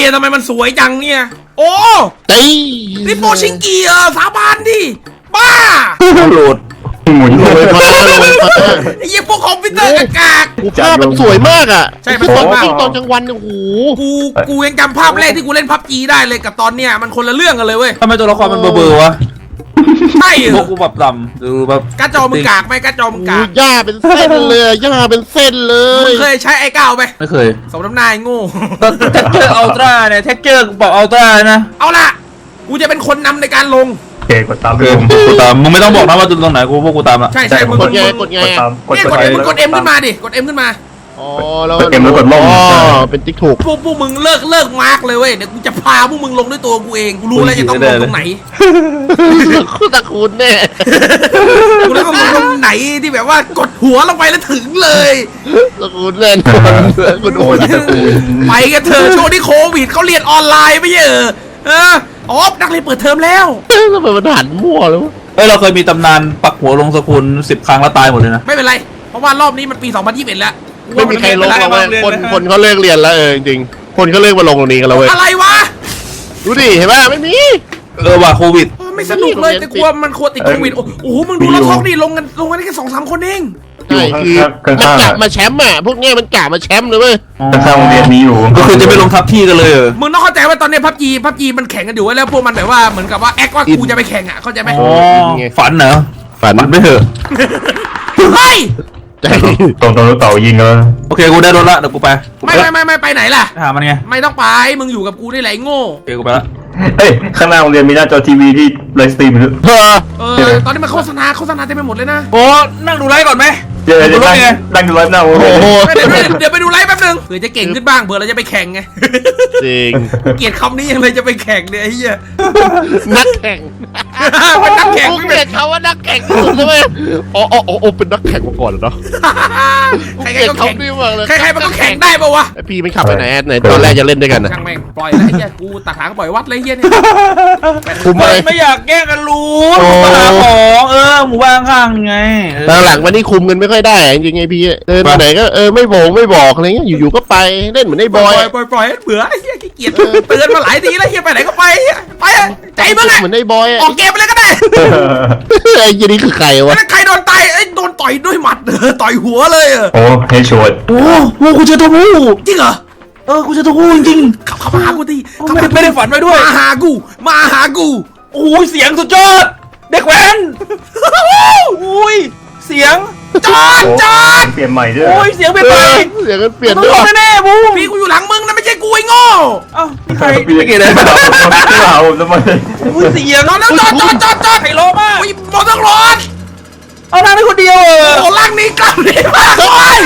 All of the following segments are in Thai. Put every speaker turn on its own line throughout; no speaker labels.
ทำไมมันสวยจังเนี่ยโอ้นี่โปชิงกีสาบานดิบ้า
โหลด
หมุนเลยมา
ไอ้ยี่พวกคอมพิวเตอร์กาก
ภาพมันสวยมากอ่ะ
ใช่
ตอนยิ่งตอนกลางวันโอ้โห
กูยังจำภาพแรกที่กูเล่นพับจีได้เลยกับตอนเนี้ยมันคนละเรื่องกันเลยเว้ย
ทำไมตัวละครมันเบอร์วะ
ใช่
พวกกูแบบต่ำดูแบบ
กระจอมึงกากไหมกระจอมึงกาก
หญ้าเป็นเส้นเลยหญ้าเป็นเส้นเลย
มึงเคยใช้ไอ้ก้าวไหม
ไม่เคย
สมน้ำหน้าโง่
เท็กเจอร์อัลตร้าเนี่ยเท็กเจอร์บอกอัลตร้านะ
เอาล่ะกูจะเป็นคนนำในการลง
เกกดตาม
กูตามมึงไม่ต้องบอกนะว่าตรงไหนกูพวกกูตามละ
ใช่มึง
กดไงกด
เอ็มขึ้นมาดิกดเอ็มขึ้นมา
อ๋อแล้วเอ็มแล้วกดลงเป็นติ๊กถูก
พวกมึงเลิกมาร์กเลยเว้ยเดี๋ยวกูจะพาพวกมึงลงด้วยตัวกูเองกูรู้แล้วจะต้องลงตรงไหน
ตะคูนแน่
กูแล้วก็ลงตรงไหนที่แบบว่ากดหัวลงไปแล้วถึงเลย
ตะคูนแน่กดโอน
ไปกันเถอะช่วงที่โควิดเขาเรียนออนไลน์ไม่ใช่อ๋อนักเรียนเปิดเทอมแล้ว
ทำไมมันหันมั่วแล้ว
เราเคยมีตำนานปักหัวลงสกุล10 ครั้งแล้วตายหมดเลยนะ
ไม่เป็นไรเพราะว่ารอบนี้มันปี2021แล้ว
ไม่มีใครลงแล้วคนเขาเลิกเรียนแล้วจริงคนเขาเลิกมาลงตรงนี้กันแล้วเว้ย
อะไรวะ
ดูดิเห็นป่ะไม่มี
ว่าโควิด
ไม่สนุกเลยแต่กลัวมันควรติดโควิดโอ้โหมึงดูแล้วท้องดิลงกันได้แค่2-3 คนเอง
ใช่คือมันกะมาแชมป์อ่ะพวกเนี้ยมันกะมาแชมป์เลยเว้ย
ข้างโรงเรียนนี้อยู่ก็คือจะไปลงทับที่กันเลย
มึงต้องเข้าใจว่าตอนนี้พับจีมันแข่งกันอยู่แล้วพวกมันแบบว่าเหมือนกับว่าแอคว่ากูจะไปแข่งอ่ะเข้าใจไหม
ฝันเหรอฝันไม่เถอะ
เฮ้ย
ตรงรถเต่ายิงเลย
โอเคกูได้รถละเดี๋ยวกูไป
ไม่ไปไหนล่ะ
หามันไง
ไม่ต้องไปมึงอยู่กับกูนี่แหละโง่
โอเคกูไปละ
เฮ้ยข้างหน้าโรงเรียนมีหน้าจอทีวีที่ไลฟ์สตรีมหรือ
ตอนนี้มันโฆษณาเต็มไปหมดเลยนะ
โอ้นั่งดูไลฟ์ก่อนไหม
เดี๋ยวนั่งดูไลฟ์หน้าโอ้โห
เดี๋ยวไปดูไลฟ์แป๊บนึงเผื่อจะเก่งขึ้นบ้างเผื่อเราจะไปแข่งไง
จริง
เกลียดคำนี้ยังเลยจะไปแข่งเนี่ยไอ้เหี้ย
นักแข่ง
เป็นนักแข่ง
ไม่เกลียดเขาว่านักแข่งใช่ไหมอ๋อเป็นนักแข่งมาก่อนเนาะ
ใครก็แข่งใครมันก็แข่งได้ป่าวะ
พี่ไม่ขับไปไหนตอนแรกจะเล่นด้วยกันนะ
ช่างแม่งปล่อยแล้วไอ้เหี้ยกูตักหางปล่อยวัดเลยเหี้ยเนี่ย
กูไม่อยากแกล้งกันรู้มาหาของหมู่บ้านข้างไง
หลังวันนี้คุมกันไม่ค่อยได้จริงไงพี่เดินไปไหนก็ไม่บอกอะไรเงี้ยอยู่ๆก็ไปเล่นเหมือนไอ้บอย
ปล่อยเบื่อไอ้เหี้ยขี้เกียจเตือนมาหลายทีแล้วเหี้ยไปไหนก็ไปใจมึงอะ
เหมือนไอ้บอย
ออกเกมไปเลยก็ได้
ไอ้ยี่นี่คือใครวะ
ใครโดนตายโดนต่อยด้วยหมัดต่อยหัวเลย
โอ้เฮชวด
โอ้กูเจอตัวงู
จริงเหรอ
กูเจอตัวงูจริง
เขามาหากูที
ไม่ได้ฝันไว้ด้วย
มาหากู
โอ้ยเสียงสุดยอดเด็กแว้นอุ้ยเสียง
จอด
เปลี่ยนใหม่ด้วย
โอ้ยเสียงเปลี่ยน
เปลี่ยนด้วย
แน่ๆบู
พี่กูอยู่หลังมึงนะไม่ใช่กูไอ้โง่
นี่ใครไม่เกี่ยวเลย
เราทำไม
เสียง
แล้วจอด
ไฮโลมาก
มอเตอร์รถ
เอานั่งได้คนเดียว
โอ้ล่างนี้กล้ามดีมากเลย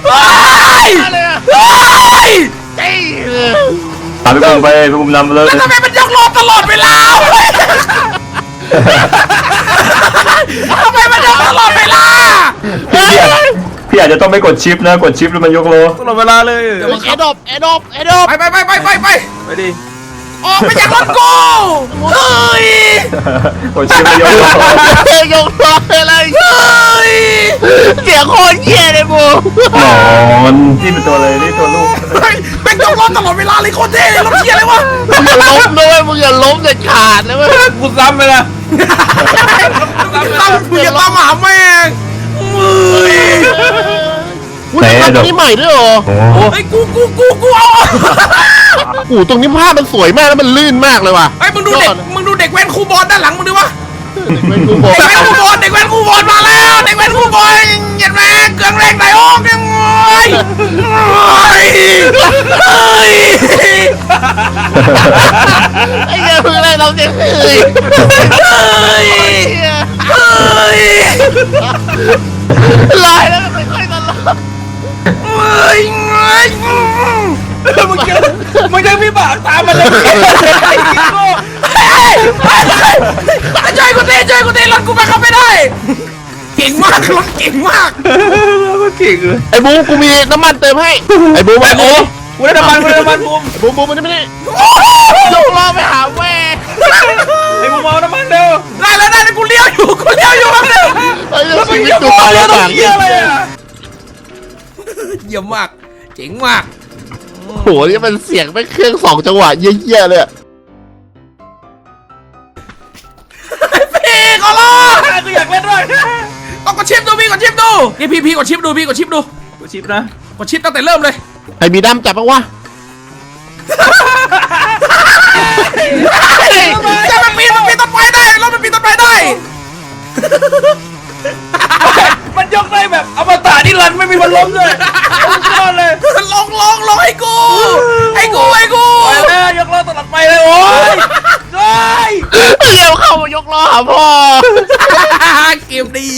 ตามไปพุ่งนำเลย
แล้วทำไมมันยกล้อตลอดเวลาทำไมมันยกตลอดเวลา
พี่อาจจะต้องไม่กดชิปนะกดชิปแล้วมันยกโล
ตลอดเวลาเลย
แอดดอป
ไป
ดิ
ออกไปจากรถกูเฮ้ย
กดชิปยกโล
อะไรเฮ้ย
เสียงโคตรเหี้ยเลยบูมันนี่เป็นตัวอะไรนี่ตัวลูก
เป็นยกล้อตลอดเวลาเลยโคตรเท่รถเหี้ยเลยวะ
อย่าล้มด้วยมึงอย่าล้มเด็ดขาดเลยเว้ย
กูซ้ำไปละ
ซ้ำหาแม่ง
แต่ตรงนี้ใหม่ด้วยเหรอ
ไอ้กูเอา
โอ้ตรงนี้ภาพมันสวยมากแล้วมันลื่นมากเลยว่ะ
ไอ้มึงดูเด็กแว้นคูบอลด้านหลังมึงดิวะ
เด็กแว้นคูบอล
มาแล้วเด็กแว้นคูบอลเย็นแม่เกลืองแรงไหนออกยังไง
ไอ้เหี้ยเพิ่งอะไรเราเจ็บลอยแล้วมันค่อยๆตลอด
มึงจะพี่บ่าวตามมาเลยช่วยกูตีรถกูไปเข้าไม่ได้เก่งมากรถเก่งมาก
เก่งเลย
ไอ้บูกูมีน้ำมันเติมให้ไอ้บูมาโอ้
กูได้น้ำมัน
บูมันไม่ได้ยกล้อไปหาแม่
ไอ้บูมาน้ำมันเร็ว
ได้กูเลี้ยวอยู่บ้างเร็ว
แล้วมันยิ่งดูอะไรต่าง
เยี่ยมมากเจ๋งมาก
โหนี่มันเสียงไม่เครื่อง2 จังหวะเยี่ยๆเลยอะ
พี่ขอร้อง
กูอยากเล่นด้วย
ต้องกดชิปดูพี่กดชิปดูนี่พี่กดชิปดูพี่กดชิปดู
กูชิปนะ
กดชิปตั้งแต่เริ่มเลย
ใครมีด้ามจับบ้างวะ
จะมันปีนต้นไม้ได้รถมันปีนต้นไม้ได้
มันยกได้แบบอมตะนิรันดร์ไม่มีวันล้มเลยยอดเลย
ลงให้กูให้กู
ไปเลยยกล้อตลอดไปเลยโอ้ยโอ้ย
เร็วเข้ามายกล้อหาพ่อ
เกมดี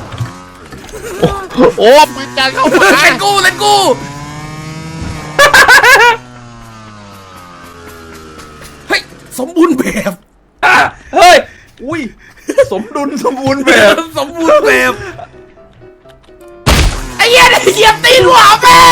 โอ้ปืนจานเข้ามา
เล่นกูเฮ้ยสมบูรณ์แบบ
เฮ้ยอุ้ยสมดุลสมบูรณ์แบบ
สมบูรณ์แบบไอ้เหี้ยเหยียบตีนหัวแม่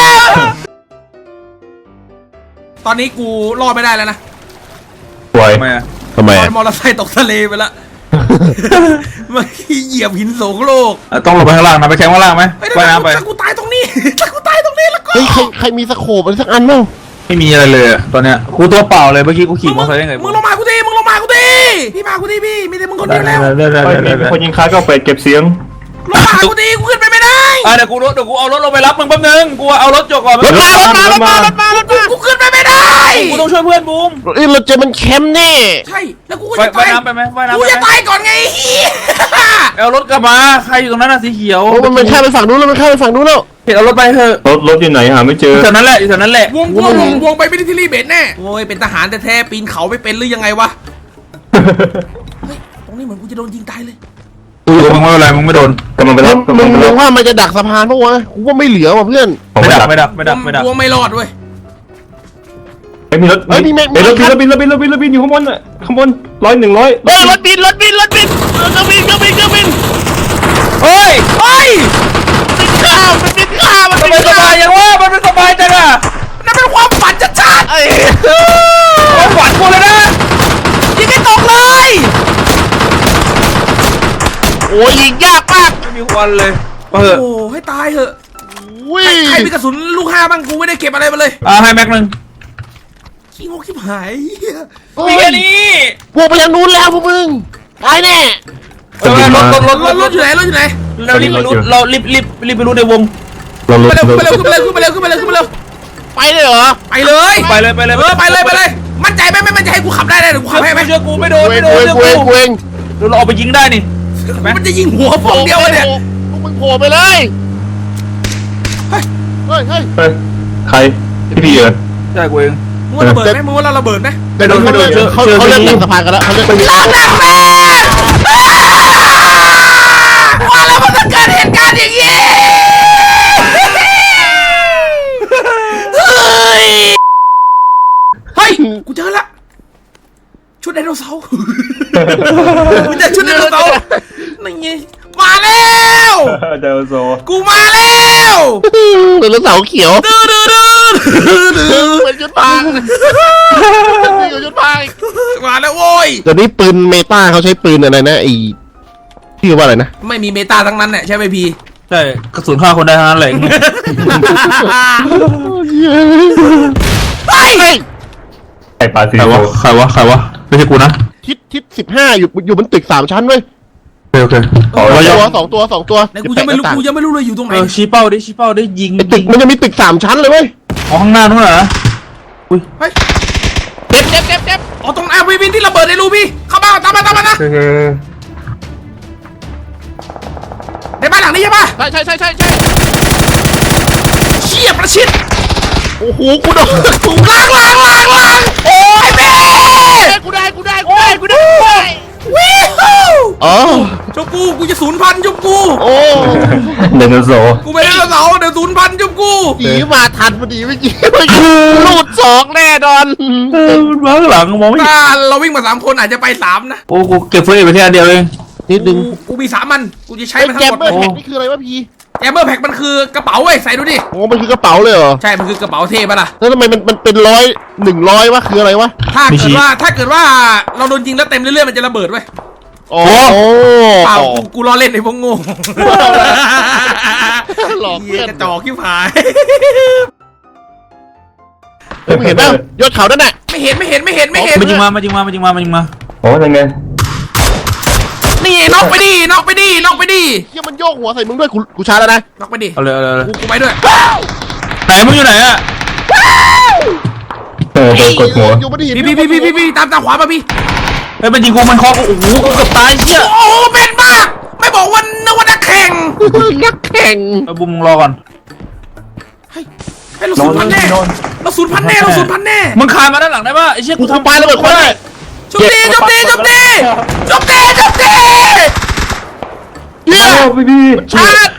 ตอนนี้กูรอดไม่ได้แล้วนะ
สวย
ทำไมอะ
ทำไม
ลอ
อะ
ยมอเตอร์ไซค์ตกทะเลไปละเมื่อกี้เหยียบหินโสโครก
ต้องลงไปข้างล่างนะไปแข่งข้างล่างไหม
เฮ้ย
ว่ายน้ำไป
ถ้ากูตายตรงนี้ถ้ากูตายตรงนี้แล้วก็
เฮ้ยใครมีสโคปอะไรสักอันมั้ง
ไม่มีอะไรเลยอะตอนเนี้ยกูตัวเปล่าเลยเมื่อกี้กูขี่มอเตอร์ไซค์ได้ไง
มึงลงมากูทีพี่มากูทีพี่มีแต่มึงคนเดียวแล้ว
ได้
คนยิงค้าก็ไปเก็บเสียง
ลงมากูทีกูขึ้นไปไม่ได้
เดี๋ยวกูเอารถลงไปรับมึงแป๊บนึงกูเอารถจกก่อน
รถมา
กูขึ้นไปไม่ได้
กูต้องช่วยเพื่อนบูม
เอ้ยเราเจอมันแคมป์แน่
ใช่แล้วกูก็
ว่าย
จะตาย
น้ำไปไหมว่ายน้ำ
กู
ไป
จะ
ไหม
ตายก่อนไงเฮีย
เอารถกลับมาใครอยู่ตรงนั้นน่ะสีเขียว
โอ้มันข้ามไปฝั่งนู้นแล้วมันข้ามไปฝั่งนู้นแล้ว
เห็นเอารถไปเถอะ
รถอยู่ไหนหาไม่เจอ
อยู่แถวนั้นแหละอยู่แถวนั้นแหละ
วงไปมิลิเทอรี่เบสแน่โอ้ยเป็นทหารแท้ๆปีนเขาไม่เป็นหรือยังไงวะเฮ้ยตรงนี้เหมือนกูจะโดนยิงตายเลย
มึงไม่เป็นไรมึงไม่โดน
กำลังไปรับ
มึงว่ามันจะดักสะพานปะวะกูว่าไม่เหลือว่ะเพื่อน
ไม่ดัก
วงไม่รอดเว้ย
ไม่มีรถ
เฮ้ยมีแม็ก
รถบินอยู่ข้างบนอ่ะข้างบน100 100
เฮ้ยรถบินเครื่องบิน
เฮ้ย
เฮ้ย
มันบินข้ามมัน
ทำ
บิน
ไมส
ข้า
บายยังวะมันเป็นสบายจังอะ
นั่นเป็นความฝันชัด
เอ้ย
ความฝันกูเลยนะ
ๆยิงให้ตกเลย
โอ้ยยิงยากมาก
ไม่มีควันเลยมาเถอะ
โอ้ให้ตายเหอะ
วิ่ง
ใครมีกระสุนลูก5บ้างกูไม่ได้เก็บอะไรมาเลย
ให้แม็กนึง
ขี้งกขี้หาย
มีแค่นี้
พวกไปทางนู้นแล้วพวกมึงตายแน่
รถ
รถอยู่ไหน
เรารีบไปรู้ในวง
ขึ้นไปเร็วขึ้นไปเร็ว
ไปเลยเหรอ
ไปเลย
ไปเลย
ไปเลยมั่นใจไหมไม่มั่นใจให้กูขับได้เดี๋ยวกูขับให้ไหม
เชื่อกูไม่โดน
เวงเวง
เราเอาไปยิงได้นี่
มันจะยิงหัวฟองเดียวเนี่ย
พวกมึงโผล่ไปเลยเฮ้ย
ใครพี่เหรอ
ใช่กูเอง
มึงระเบิดไหมมึงว่าเราระเบิดไหม
ไม่โดน
เขาเริ่มดักสะพานกันแล้วเขาเริ่ม
ลากแม่ว่าแล้วมันจะเกิดเหตุการณ์อย่างนี้เฮ้ยกูเจอละชุดไดโนเสาร์กูเจอชุดไดโนเสาร์นี่ไงมาแล้ว
เดลโซ
กูมาแล้ว
หรือเสาเขียว
ดื้อ
เป็นชุดพังอยู่ชุดพัง
มาแล้วโว้ย
เดี๋ยวนี้ปืนเมตาเขาใช้ปืนอะไรนะไอ้ชื่อว่าอะไรนะ
ไม่มีเมตาทั้งนั้นเนี่ยใช่ไหมพี่
ใช่กระสุนฆ่าคนได้ทั้งนั้นเลย
เฮ้ย
ไอ้ปลาสี
ใครวะไม่ใช่กูนะ
ทิศ15อยู่บนตึก3 ชั้นเว้ย
โอเค
สองตัว
ไหนกูยังไม่รู้เลยอยู่ตรงไหน
ชี้เป้าดิยิง
ไอ้ตึกมันจะมีตึก3 ชั้นเลยเว้ย
ข้างหน้านู้นเหรอ
เฮ้ยเจ็บอ๋อตรงวินที่ระเบิดในรูพี่เข้ามาตามมานะในบ้านหลังนี้ใช่ปะ
ใช่
เชี่ยประชิด
โอ้โหกูโดน
ล้างโอ้ยแม่
กูได้
วิว
อ๋อ
จบกูจะ0,000จบกู
โอ้
เดลโซ
กูไม่ได้เสาเดี๋ยว0,000จบกู
ผีมาทันพอดีเมื่อกี้ลูด2แน่นอน
ข้างหลังมองไม่
ถ้าเราวิ่งมา3 คนอาจจะไป3นะ
โอ้กูเก็บเฟรนไปแค่เดียวเอง
นิดนึง
กูมี3 มันกูจะใช้มัน
แก
ทั้
ม
งหมด
เบอร์แท็กนี่คืออะไรวะพี่
แจมเบอร์แพ็คมันคือกระเป๋าเว้ยใส่ดูดิ
โอ้มันคือกระเป๋าเลยเหรอ
ใช่มันคือกระเป๋าเท่ปะล่ะ
แล้วทำไมมันเป็น100วะคืออะไรวะ
ถ้าเกิดว่าเราโดนยิงแล้วเต็มเรื่อยๆมันจะระเบิดเว้ย
โอ้
เปล่ากูล้อเล่นไอ้พวกโง่
หลอก
เหี้
เพื่
ย
อน
กระจอกขี้ผาย
มึงเห็นป่ะยอดเขานั่นน่ะ
ไม่เห็น
มันยิงมา
โอ้ยังไง
นี่น็อกไปดิ
เฮียมันโยกหัวใส่มึงด้วยกูชาร์จแล้วนะ
น็อกไปดิ
เอาเลย
กูไปด้วย
ไหนมึงอยู่ไหนอะ
โดนกดหัว
อยู่ไม่ได้เห็น
พี่ตามขวามาพี่
เฮ้ยมันยิงกูมันคอกูโอ้โหกูเกือบตายเชี่ย
โอ้โหเป็นมาก ไม่บอกว่านึกว่านักแข่ง
นักแข่ง
บุ้มมึงรอก่อน
ให้เราสูญพันธุ์แน่เราสูญพันธุ์แน่
มึงคานมาด้านหลังได้ป่ะไอ้เชี่ย
กูทำปลาระเบิดควันได้
จบดี
เฮีย
โอ้พี่
ชาร์จ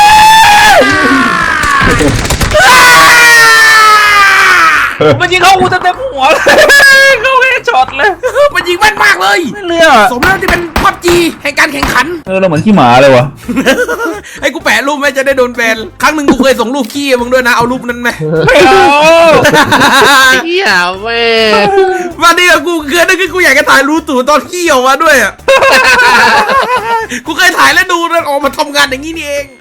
มันยิงเข้ากูเต็มหัวเลยเข้าแค่ช็อตเลย
มันยิงแม่นมากเลย
ไม่เลือก
สมแล้วที่เป็นพับจีแห่งการแข่งขัน
เราเหมือนขี้หมาเลยวะ
ให้กูแปะรูปไหมจะได้โดนแบนครั้งหนึ่งกูเคยส่งรูปขี้มึงด้วยนะเอารูปนั้นไหม
ไม่เอา
เฮียแม่
วันนี้กูเคยนึกว่ากูอยากจะถ่ายรูปตู่ตอนขี้ออกมาด้วยอ่ะ กูเคยถ่ายแล้วดูแล้วออกมาทำงานอย่างนี้นี่เอง